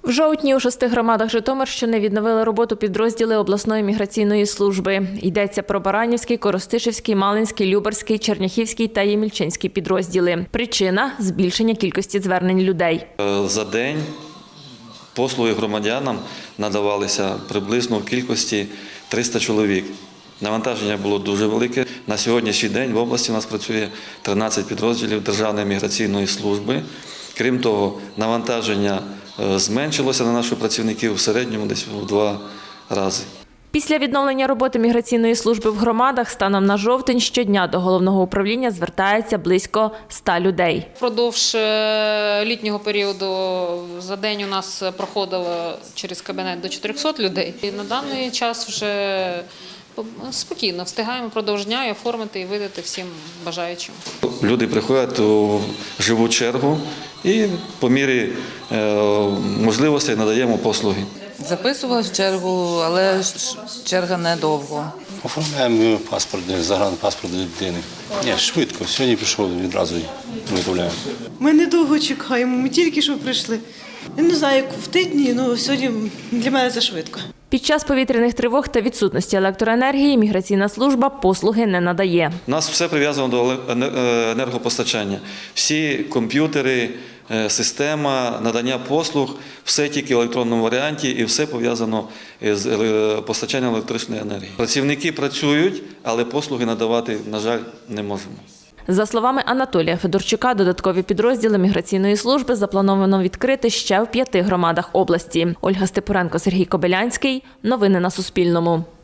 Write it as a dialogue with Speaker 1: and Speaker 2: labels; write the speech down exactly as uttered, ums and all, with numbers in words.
Speaker 1: В жовтні у шести громадах Житомирщини відновили роботу підрозділи обласної міграційної служби. Йдеться про Баранівський, Коростишівський, Малинський, Любарський, Черняхівський та Ємільчинський підрозділи. Причина – збільшення кількості звернень людей.
Speaker 2: За день послуги громадянам надавалися приблизно в кількості триста чоловік. Навантаження було дуже велике. На сьогоднішній день в області у нас працює тринадцять підрозділів Державної міграційної служби. Крім того, навантаження зменшилося на наших працівників в середньому десь в два рази.
Speaker 1: Після відновлення роботи міграційної служби в громадах станом на жовтень щодня до головного управління звертається близько ста людей.
Speaker 3: Впродовж літнього періоду за день у нас проходило через кабінет до чотирьохсот людей. І на даний час вже спокійно встигаємо впродовж дня і оформити і видати всім бажаючим.
Speaker 2: Люди приходять у живу чергу і по мірі можливостей надаємо послуги.
Speaker 4: Записувалась в чергу, але черга недовго.
Speaker 5: Оформляємо паспорт, загранпаспорт дитини. Ні, швидко. Сьогодні пішов, відразу виготовляємо.
Speaker 6: Ми недовго чекаємо, ми тільки що прийшли. Я не знаю, як в тижні, але сьогодні для мене це швидко.
Speaker 1: Під час повітряних тривог та відсутності електроенергії міграційна служба послуги не надає.
Speaker 2: У нас все прив'язано до енергопостачання. Всі комп'ютери, система надання послуг, все тільки в електронному варіанті і все пов'язано з постачанням електричної енергії. Працівники працюють, але послуги надавати, на жаль, не можемо.
Speaker 1: За словами Анатолія Федорчука, додаткові підрозділи міграційної служби заплановано відкрити ще в п'яти громадах області. Ольга Степуренко, Сергій Кобилянський. Новини на Суспільному.